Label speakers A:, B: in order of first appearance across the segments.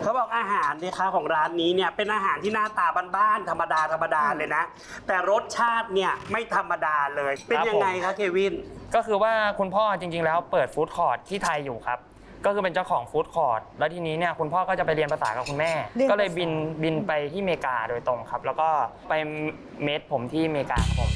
A: เขาบอกอาหารเนี่ยค่ะของร้านนี้เนี่ยเป็นอาหารที่หน้าตาบ้านๆธรรมดาเลยนะแต่รสชาติเนี่ยไม่ธรรมดาเลยเป็นยังไงคะเควิน
B: ก็คือว่าคุณพ่อจริงๆแล้วเปิดฟู้ดคอร์ทที่ไทยอยู่ครับก็คือเป็นเจ้าของฟู้ดคอร์ทแล้วทีนี้เนี่ยคุณพ่อก็จะไปเรียนภาษากับคุณแม่ก็เลยบินไปที่อเมริกาโดยตรงครับแล้วก็ไปเมดผมที่อเมริกาครับผม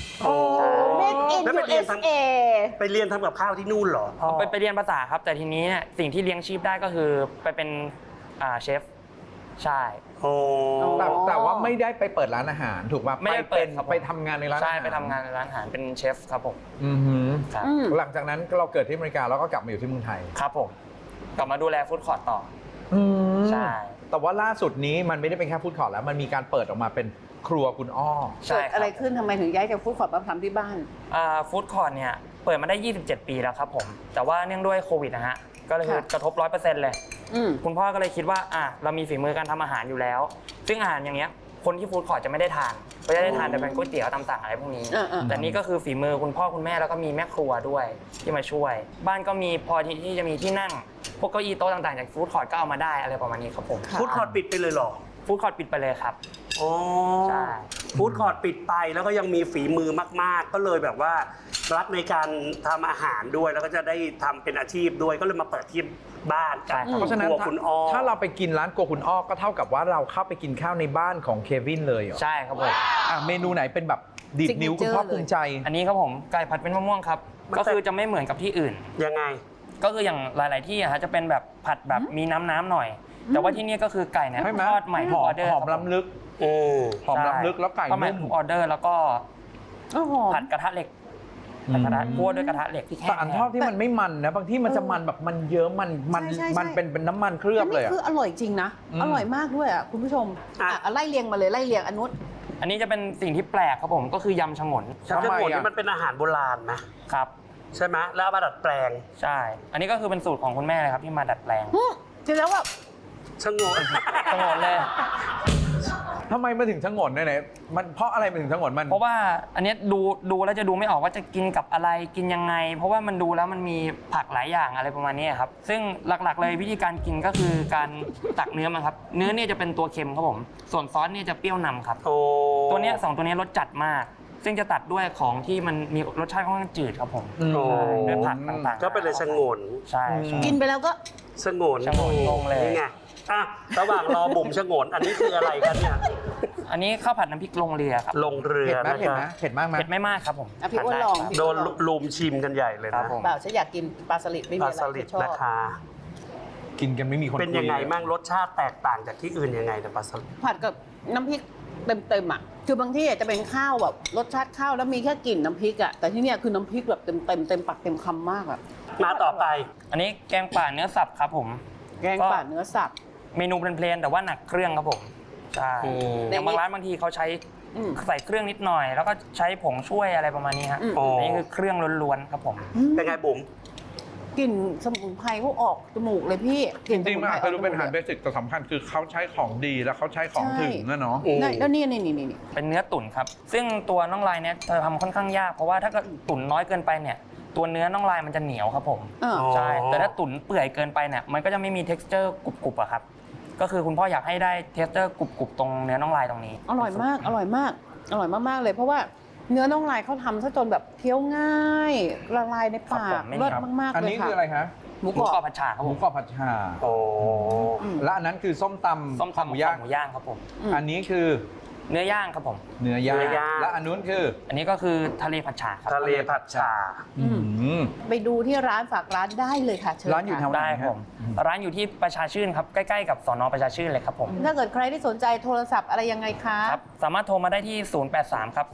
C: Made in USA
A: ไปเรียนทำกับข้าวที่นู่นเหรอ
B: ไปเรียนภาษาครับแต่ทีนี้เนี่ยสิ่งที่เลี้ยงชีพได้ก็คือไปเป็นเชฟใช่
D: แต่ว่าไม่ได้ไปเปิดร้านอาหารถูกป่ะ
B: ไม่ได้เปิด
D: ไปทำงานในร้านอาหาร
B: ใช่ไปทำงานในร้านอาหารเป็นเชฟครับผม
D: ครับหลังจากนั้นเราเกิดที่อเมริกาแล้วก็กลับมาอยู่ที่เมืองไทย
B: ครับผมกลับมาดูแลฟู้ดคอร์ทต่อใช่
D: แต่ว่าล่าสุดนี้มันไม่ได้เป็นแค่ฟู้ดคอร์ทแล้วมันมีการเปิดออกมาเป็นครัวคุณอ้อ
C: เกิดอะไรขึ้นทำไมถึงย้ายจากฟู้ดคอร์ทมาทำที่บ้าน
B: ฟู้ดคอร์ทเนี่ยเปิดมาได้27 ปีแล้วครับผมแต่ว่าเนื่องด้วยโควิดนะฮะก็เลยกระทบ 100% เลยคุณพ่อก็เลยคิดว่าเรามีฝีมือการทำอาหารอยู่แล้วซึ่งอาหารอย่างเงี้ยคนที่ฟู้ดคอร์ทจะไม่ได้ทานก็จะได้ทานแต่เป็นก๋วยเตี๋ยวตามสั่งอะไรพวกนี้แต่นี่ก็คือฝีมือคุณพ่อคุณแม่แล้วก็มีแม่ครัวด้วยที่มาช่วยบ้านก็มีพอที่จะมีที่นั่งพวกเก้าอี้โต๊ะต่างๆจากฟู้ดคอร์ทก็เอามาได้อะไรประมาณนี้ครับผม
A: ฟู้ดคอร์ทปิดไปเลยเหรอ
B: ฟู้ดคอร์ทปิดไปเลยครับ
A: ใช่ฟู้ดคอร์ทปิดไปแล้วก็ยังมีฝีมือมากๆก็เลยแบบว่ารักในการทำอาหารด้วยแล้วก็จะได้ทำเป็นอาชีพด้วยก็เลยมาเปิดที่บ้านกับ
D: เพราะฉะนั้น
A: คุณอ้อ
D: ถ้าเราไปกินร้านครัวคุณอ้อก็เท่ากับว่าเราเข้าไปกินข้าวในบ้านของเควินเลยเหรอ
B: ใช่ครับผม
D: เมนูไหนเป็นแบบดีดนิ้วคุณพ่อภูมิใจ
B: อันนี้ครับผมไก่ผัดเป็นมะม่วงครับก็คือจะไม่เหมือนกับที่อื่น
A: ยังไง
B: ก็คืออย่างหลายๆที่จะเป็นแบบผัดแบบมีน้ำหน่อยแต่ว่าที่นี่ก็คือไก่เนี่ยทอดใหม่ทุกออเดอร์
D: หอมล้ำลึกหอมล้ำลึกแล้วไก่นุ่ม
B: ทุกออเดอร์แล้วก็ผัดกระทะเหล็กกระทะคั่วด้วยกระทะเหล็กที่แข็ง
D: แต่อันชอบที่มันไม่มันนะบางที่มันจะมันแบบมันเยอะมันเป็นน้ำมันเคลือบเลย
C: คืออร่อยจริงนะอร่อยมากด้วยคุณผู้ชมไล่เรียงมาเลยไล่เรียง
B: อันนี้จะเป็นสิ่งที่แปลกครับผมก็คือยำฉงน
A: ฉงนนี่มันเป็นอาหารโบราณนะครับใช่ไหมแล้วมาดัดแปลง
B: ใช่อันนี้ก็คือเป็นสูตรของคุณแม่เลยครับที่มาดัดแปลง
C: จริงแล้วแบบ
A: ฉงน
B: เลย
D: ทำไมมาถึงฉงนเนี่ยมันเพราะอะไรมาถึงฉงนมัน
B: เพราะว่าอันนี้ดูแล้วจะดูไม่ออกว่าจะกินกับอะไรกินยังไงเพราะว่ามันดูแล้วมันมีผักหลายอย่างอะไรประมาณนี้ครับซึ่งหลักๆเลยวิธีการกินก็คือการตักเนื้อมันครับเนื้อเนี่ยจะเป็นตัวเค็มครับผมส่วนซอสเนี่ยจะเปรี้ยวนำครับตัวนี้2ตัวนี้รสจัดมากซึ่งจะตัดด้วยของที่มันมีรสชาติค่อนข้างจืดครับผมด้วยผักต่างๆ
A: ก็เป็นเลยฉงน
B: ใช่
C: กินไปแล้วก็
A: ฉงน
B: งงเลย
A: นี่ไงระหว่างรอบุ๋มฉงนอันนี้คืออะไรกันเนี่ย
B: อันนี้ข้าวผัดน้ำพริกลงเรือครับ
A: ลงเรือ
D: เผ็ดมากไหม
B: เผ็ดไม่มากครับผม
C: พี่อ้วนลอง
A: โดนลุมชิมกันใหญ่เลยนะ
C: เปล่าฉันอยากกินปลาสลิดไม่มีอะไร
A: ที่ชอบนะคะ
D: กินกันไม่มีคน
A: เป็นยังไงมั่งรสชาติแตกต่างจากที่อื่นยังไงแต่ปลาสลิด
C: ผัดกับน้ำพริกเต็มคือบางที่จะเป็นข้าวแบบรสชาติข้าวแล้วมีแค่กลิ่นน้ำพริกแต่ที่นี่คือน้ำพริกแบบเต็มปากเต็มคำมาก
A: มาต่อไป
B: อันนี้แกงป่าเนื้อสับครับผม
C: แกงป่าเนื้อสับ
B: เมนูเพลนๆแต่ว่าหนักเครื่องครับผมใช่อย่างบางร้านบางทีเขาใช้ใส่เครื่องนิดหน่อยแล้วก็ใช้ผงช่วยอะไรประมาณนี้ฮะนี่คือเครื่องล้วนๆครับผม
A: เป็นไงบุ๋ม
C: กลิ่นสมุนไพรเขาออกจมูกเลยพี่
D: จริงๆมันอาจจะดูเป็นอาหารเบสิกแต่สำคัญคือเขาใช้ของดีแล้วเขาใช้ของถึงนะเนาะ
C: แล้วนี่
B: เป็นเนื้อตุ๋นครับซึ่งตัวน่องลายเนี่ยเธอทำค่อนข้างยากเพราะว่าถ้าเกิดตุ๋นน้อยเกินไปเนี่ยตัวเนื้อน่องลายมันจะเหนียวครับผมใช่แต่ถ้าตุ๋นเปื่อยเกินไปเนี่ยมันก็จะไม่มี texture กรุบๆอะครับก็คือคุณพ่ออยากให้ได้ texture กรุบๆตรงเนื้อน่องลายตรงนี้
C: อร่อยมากเลยเพราะว่าเนื้อน่องลายเขาทำซะจนแบบเคี้ยวง่ายละลายในปากเลิศมากๆเลยค่ะ
D: อันนี้คืออะไรคะ
B: หมูกรอบผัดฉ่าครับ
D: หมูกรอบผัดฉ่าและอันนั้นคือส้มตำ
B: หมูย่างครับผม
D: อันนี้คือ
B: เนื้อย่างครับผม
D: เนื้อย่างและอันนู้นคือ
B: อันนี้ก็คือทะเลผัดฉ่าครับ
A: ทะเลผัดฉ่า
C: ไปดูที่ร้านฝากร้านได้เลยค่ะเชิญ
D: ร้านอยู่แถวไหน
B: ได้ผมร้านอยู่ที่ประชาชื่นครับใกล้ๆกับสน.ประชาชื่นเลยครับผม
C: ถ้าเกิดใครที่สนใจโทรศัพท์อะไรยังไงคะ
B: ครับสามารถโทรมาได้ที่083ครับ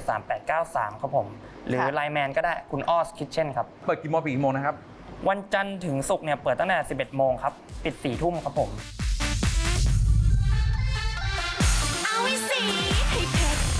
B: 0773893ครับผมหรือไลน์แมนก็ได้คุณอ้อสคิทเช่นครับ
D: เปิดกี่โมงปิดกี่โมงนะครับ
B: วันจันทร์ถึงศุกร์เนี่ยเปิดตั้งแต่ 11 โมงครับปิด 4 ทุ่มครับผม
E: เอาไว้สิให้เผ็ด